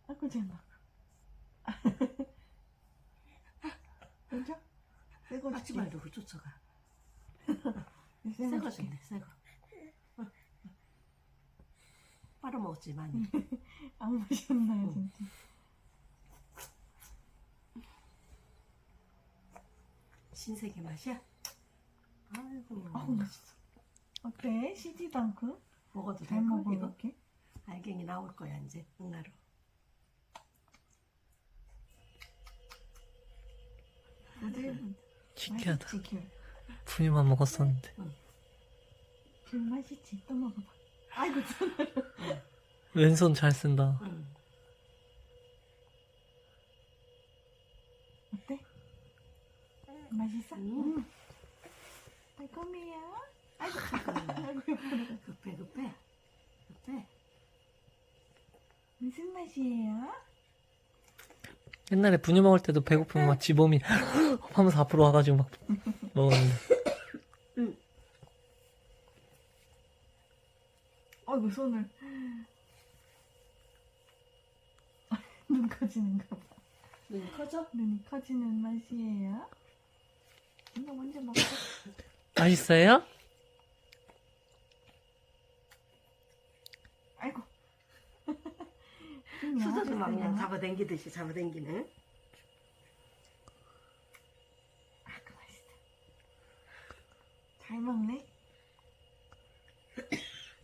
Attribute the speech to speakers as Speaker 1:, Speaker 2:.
Speaker 1: 아이고 잘나. 먼저? 새거
Speaker 2: 하지
Speaker 1: 줄게.
Speaker 2: 말고 그 쫓아가.
Speaker 1: 새거
Speaker 2: 새거
Speaker 1: 줄게.
Speaker 2: 준대, 새거. 빨아먹었지, 많이.
Speaker 1: 안 보셨나요 진짜?
Speaker 2: 신세계 맛이야? 아이고.
Speaker 1: 아우 맛있어. 어때? 시지도 않고?
Speaker 2: 먹어도
Speaker 1: 잘
Speaker 2: 될까,
Speaker 1: 먹어
Speaker 2: 이거?
Speaker 1: 이렇게?
Speaker 2: 알갱이 나올 거야, 이제. 응나로.
Speaker 1: 부들부들.
Speaker 3: 신기하다.
Speaker 1: 맛있지 귤?
Speaker 3: 분유만 먹었었는데.
Speaker 1: 귤 맛있지? 또 먹어봐. 아이고 손으로.
Speaker 3: 왼손 잘 쓴다.
Speaker 2: 응.
Speaker 1: 어때? 맛있어?
Speaker 2: 음.
Speaker 1: 달콤해요? 아이고 아이고 예쁘다.
Speaker 2: 급해, 급해. 급해.
Speaker 1: 무슨 맛이에요?
Speaker 3: 옛날에 분유 먹을 때도 배고프면 막 지범이 하면서 앞으로 와가지고 막 먹었는데.
Speaker 2: 응.
Speaker 1: 아이고 손을. 눈 커지는가 봐.
Speaker 2: 눈이 커져?
Speaker 1: 눈이 커지는 맛이에요? 이거 먼저 먹어.
Speaker 3: 맛있어요?
Speaker 1: 아이고.
Speaker 2: 수저도 막 그냥 잡아당기듯이 잡아당기네.
Speaker 1: 아이고 맛있다. 잘 먹네.